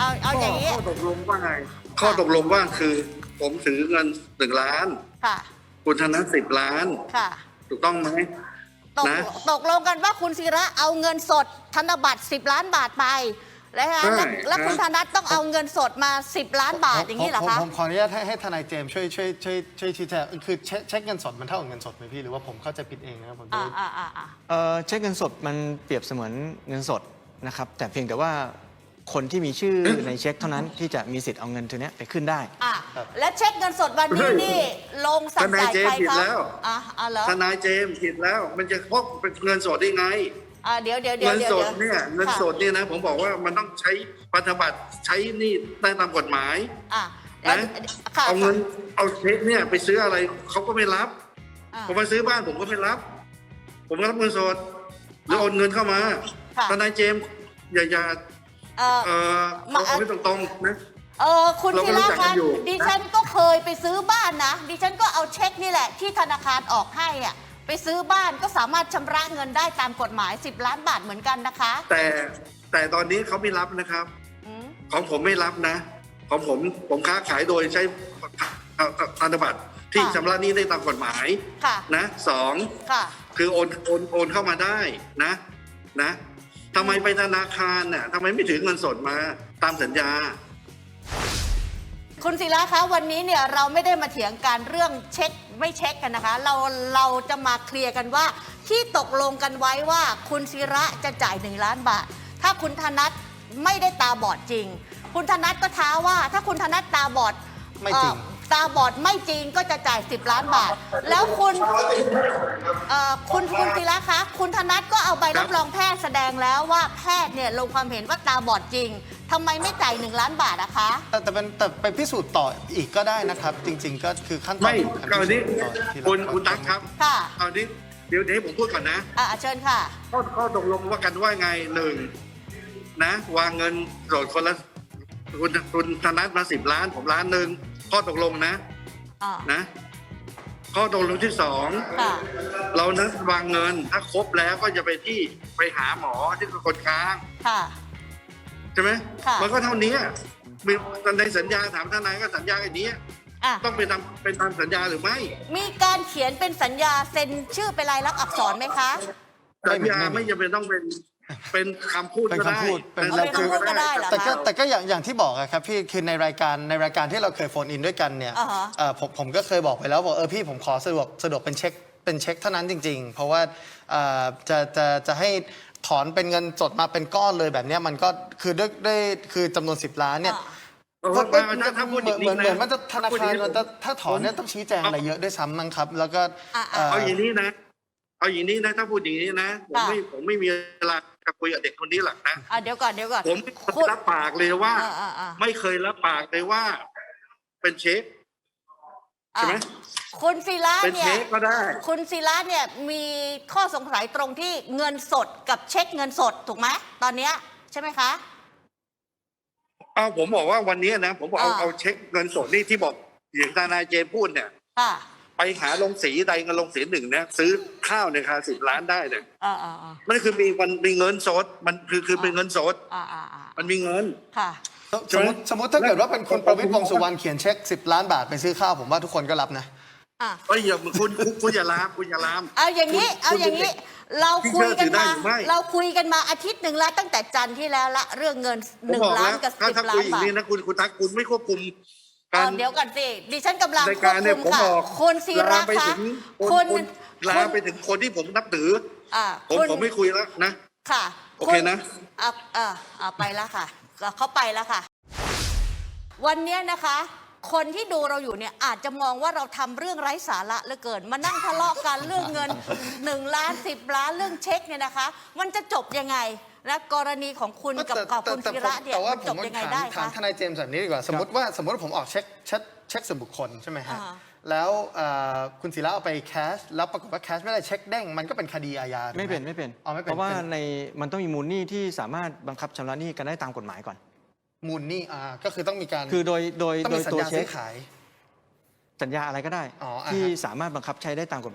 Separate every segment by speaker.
Speaker 1: เอาอย่างนี้
Speaker 2: ข้อตกลงว่าไงข้อตกลงว่าคือผมถือเงิน1 ล้าน
Speaker 1: ค่ะ
Speaker 2: คุณธน10 ล้าน
Speaker 1: ค่ะ
Speaker 2: ถูกต้องไหมนะ
Speaker 1: ตกลงกันว่าคุณศิระเอาเงินสดธนบัตร10 ล้านบาทไปแล้วคุณธนัทต้องเอาเงินสดมา10 ล้านบาทอย่างนี้เหรอคะ
Speaker 3: ผมขออนุญาตให้ทนายเจมส์ช่วยชี้แจงคือเช็คเงินสดมันเท่ากับเงินสดไหมพี่หรือว่าผมเข้าใจผิดเองนะครับผม
Speaker 4: เช็คเงินสดมันเปรียบเสมือนเงินสดนะครับแต่เพียงแต่ว่าคนที่มีชื่อในเช็คเท่านั้นที่จะมีสิทธิ์เอาเงินตัวนี้ไปขึ้นได้
Speaker 1: และเช็คเงินสดวันนี้นี่ลงสั่งจ่ายใครครับ
Speaker 2: ทนายเจมส์ผิดแล้วมันจะพกเป็นเงินสดได้ไง
Speaker 1: เดี๋ยว
Speaker 2: เงินสดเนี่ยเงินสดเนี่ยนะผมบอกว่ามันต้องใช้พันธบัตรใช้นี่ได้ตามกฎหมายนะเอาเงินเอาเช็คเนี่ยไปซื้ออะไรเขาก็ไม่รับผมมาซื้อบ้านผมก็ไม่รับผมรับเงินสดหรือโอนเงินเข้ามาทนายเจมส์อย่าเอาไม่ตรงๆนะ
Speaker 1: คุณธีระคะดิฉันก็เคยไปซื้อบ้านนะดิฉันก็เอาเช็คนี่แหละที่ธนาคารออกให้ไปซื้อบ้านก็สามารถชำระเงินได้ตามกฎหมาย10 ล้านบาทเหมือนกันนะคะ
Speaker 2: แต่ตอนนี้เขาไม่รับนะครับของผมไม่รับนะของผมค้าขายโดยใช้ธนบัตรที่ชำระหนี้ได้ตามกฎหมายนะ2คือโอนเข้ามาได้นะทำไมไปธนาคารน่ะทำไมไม่ถือเงินสดมาตามสัญญา
Speaker 1: คุณศิระคะวันนี้เนี่ยเราไม่ได้มาเถียงกันเรื่องเช็คไม่เช็คกันนะคะเราจะมาเคลียร์กันว่าที่ตกลงกันไว้ว่าคุณศิระจะจ่าย1 ล้านบาทถ้าคุณธนัทไม่ได้ตาบอดจริงคุณธนัทก็ท้าว่าถ้าคุณธนัทตาบอด
Speaker 3: ไม่จริง
Speaker 1: ตาบอดไม่จริงก็จะจ่าย10 ล้านบาทแล้วคุณศิระคะคุณธนัทก็เอาใบรับรองแพทย์แสดงแล้วว่าแพทย์เนี่ยลงความเห็นว่าตาบอดจริงทำไมไม่จ่าย1 ล้านบาทอะคะ
Speaker 3: แต่ไปพิสูจน์ต่ออีกก็ได้นะครับจริงๆก็คือขั้นตอน
Speaker 2: ก่อนนี้คุณตั๊กครับ
Speaker 1: ค่ะ
Speaker 2: เอานี้เดี๋ยวให้ผมพูดก่อนนะ
Speaker 1: เชิญค่ะ
Speaker 2: ข้อตกลงว่ากันว่าไง1นะวางเงินสดคนละคุณธนัทมา10 ล้านผม1 ล้านข้อตกลงนะข้อตกลงที่2เรานัดวางเงินถ้าครบแล้วก็จะไปหาหมอที่เป็นคนกลางใช่ไหมมันก็เท่านี้มีในสัญญาถามทนายก็สัญญาอย่างนี้ต้องเป็นตามสัญญาหรือไม่
Speaker 1: มีการเขียนเป็นสัญญาเซ็นชื่อเป็นลายลักษณ์อักษรไหมคะ
Speaker 2: สัญญาไม่จำเป็นต้องเป็นคำพูดก็ได้
Speaker 1: เป็นคำพูดก็ได้เหรอ
Speaker 3: แต่ก็อย่างที่บอกครับพี่คือในรายการที่เราเคยโฟนอินด้วยกันเนี่ยผมก็เคยบอกไปแล้วบอกพี่ผมขอสะดวกเป็นเช็คเท่านั้นจริงๆเพราะว่าจะให้ถอนเป็นเงินสดมาเป็นก้อนเลยแบบนี้มันก็คือด้วยคือจำนวน10 ล้านเนี่ย
Speaker 2: ถ้าพูดอย่างนี้
Speaker 3: เหมือนมันจะธนาคารมันจะถ้าถอนเนี่ยต้องชี้แจงอะไรเยอะด้วยซ้ำมั้งครับแล้วก็
Speaker 2: เอาอย่างนี้นะถ้าพูดอย่างนี้นะผมไม่มีเวลาจะคุยกับเด็กคนนี้หรอกนะ
Speaker 1: เดี๋ยวก่อน
Speaker 2: ผมรับปากเลยว่าไม่เคยรับปากเลยว่าเป็นเช็คใช่ไหม
Speaker 1: คุณศิระ
Speaker 2: เนี่ย
Speaker 1: คุณศิระเนี่ยมีข้อสงสัยตรงที่เงินสดกับเช็คเงินสดถูกไหมตอนนี้ใช่ไหมคะ
Speaker 2: ผมบอกว่าวันนี้นะผมบอกเอาเช็คเงินสดนี่ที่บอกอย่างทนายเจพูดเนี่ยไปหาลงสีใดเงินลงสี1เนี่ยซื้อข้าวในราคา10 ล้านได้เลยมันคือมีเงินสดมันคือเป็นเงินสดมันมีเงิน
Speaker 3: สมมติถ้าเกิดว่าเป็นคุณประวิตร วงษ์สุวรรณเขียนเช็ค10 ล้านบาทไปซื้อข้าวผมว่าทุกคนก็รับนะ
Speaker 2: อย่าคุณอย่าลาม
Speaker 1: เอาอย่างนี้เราคุยกันมาอาทิตย์หนึ่งแล้วตั้งแต่จันทร์ที่แล้วละเรื่องเงิน1 ล้านกับ10 ล้านบาท
Speaker 2: นะคุณตั๊กคุณไม่ควบคุม
Speaker 1: เดี๋ยวก่อนสิดิฉันกำลังควบคุมค่ะคุณศิระคะ
Speaker 2: คุณลาไปถึงคนที่ผมนับถือผมไม่คุยแล้วนะ
Speaker 1: ค่ะ
Speaker 2: โอเคนะ
Speaker 1: ไปแล้วค่ะเขาไปแล้วค่ะวันนี้นะคะคนที่ดูเราอยู่เนี่ยอาจจะมองว่าเราทำเรื่องไร้สาระเหลือเกินมานั่งทะเลาะกันเรื่องเงิน1 ล้าน10 ล้านเรื่องเช็คเนี่ยนะคะมันจะจบยังไงและกรณีของคุณกับคุณศิระเนี่ยมันจบยังไงได้คะ
Speaker 3: ถามทนายเจมส์แบบนี้ดีกว่าสมมติว่าผมออกเช็คส่วนบุคคลใช่ไหมฮะแล้วคุณศิระเอาไปแคชแล้วปรากฏว่าแคชไม่ได้เช็คเด้งมันก็เป็นคดีอาญา
Speaker 4: ไม่เป็นเพราะว่ามันต้องมีมูลหนี้ที่สามารถบังคับชำระหนี้กันได้ตามกฎหมายก่อน
Speaker 3: มูลหนี้ก็คือต้องมีการ
Speaker 4: คือโดยตัวเช็ค
Speaker 3: ขาย
Speaker 4: สัญญาอะไรก็ได้ที่สามารถบังคับใช้ได้ตามกฎหมาย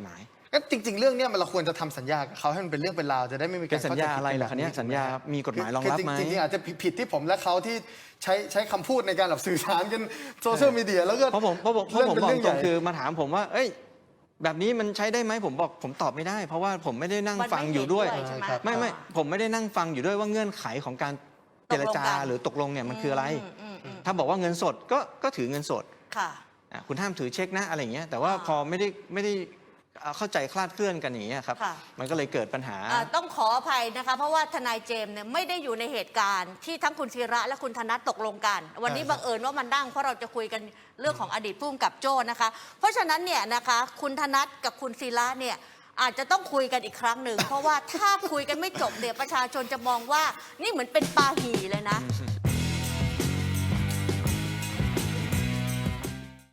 Speaker 3: ก็จริง ๆ เรื่องเนี้ยเราควรจะทำสัญญากับเขาให้มันเป็นเรื่องเป็นราวจะได้ไม่มีการ
Speaker 4: เป็นสัญญาอะไรล่ะคะเนี่ยสัญญามีกฎหมายรองรับไหม
Speaker 3: จริงๆอาจจะผิดที่ผมและเขาที่ใช้คำพูดในการแบบสื่อสารกันโซเชียลมีเดียแล้วก็
Speaker 4: เพราะผมบอก
Speaker 3: เป็น
Speaker 4: ต
Speaker 3: เรื่
Speaker 4: ร
Speaker 3: อง ใหญ่
Speaker 4: คือมาถามผมว่า เอ้ย แบบนี้มันใช้ได้ไหมผมบอกผมตอบไม่ได้ เพราะว่าผมไม่ได้นั่ง
Speaker 1: มันไม่
Speaker 4: ฟังอยู่ด้วย
Speaker 1: เห็นด้วยใช่ไหม
Speaker 4: ไม่ผมไม่ได้นั่งฟังอยู่ด้วยว่าเงื่อนไขของการเจรจา
Speaker 1: ตกลงกัน
Speaker 4: หรือตกลงเนี่ยมันคืออะไร
Speaker 1: อืม
Speaker 4: ถ้าบอกว่าเงินสดก็ถือเงินสด
Speaker 1: ค่ะ
Speaker 4: คุณห้ามถือเช็คนะอะไรอย่างเงี้ยแต่ว่าพอไม่ได้เข้าใจคลาดเคลื่อนกันอย่างเงี้ยครับ
Speaker 1: ค่ะ
Speaker 4: มันก็เลยเกิดปัญหา
Speaker 1: ต้องขออภัยนะคะ เพราะว่าทนายเจมส์เนี่ยไม่ได้อยู่ในเหตุการณ์ที่ทั้งคุณศิระและคุณธนัทตกลงกัน วันนี้บังเอิญว่ามันนั่งเพราะเราจะคุยกันเรื่องของอดีตผู้กำกับโจ้นะคะ เพราะฉะนั้นเนี่ยนะคะคุณธนัทกับคุณศิระเนี่ยอาจจะต้องคุยกันอีกครั้งหนึ่ง เพราะว่าถ้าคุยกันไม่จบเนี่ยประชาชนจะมองว่านี่เหมือนเป็นปาหี่เลยนะ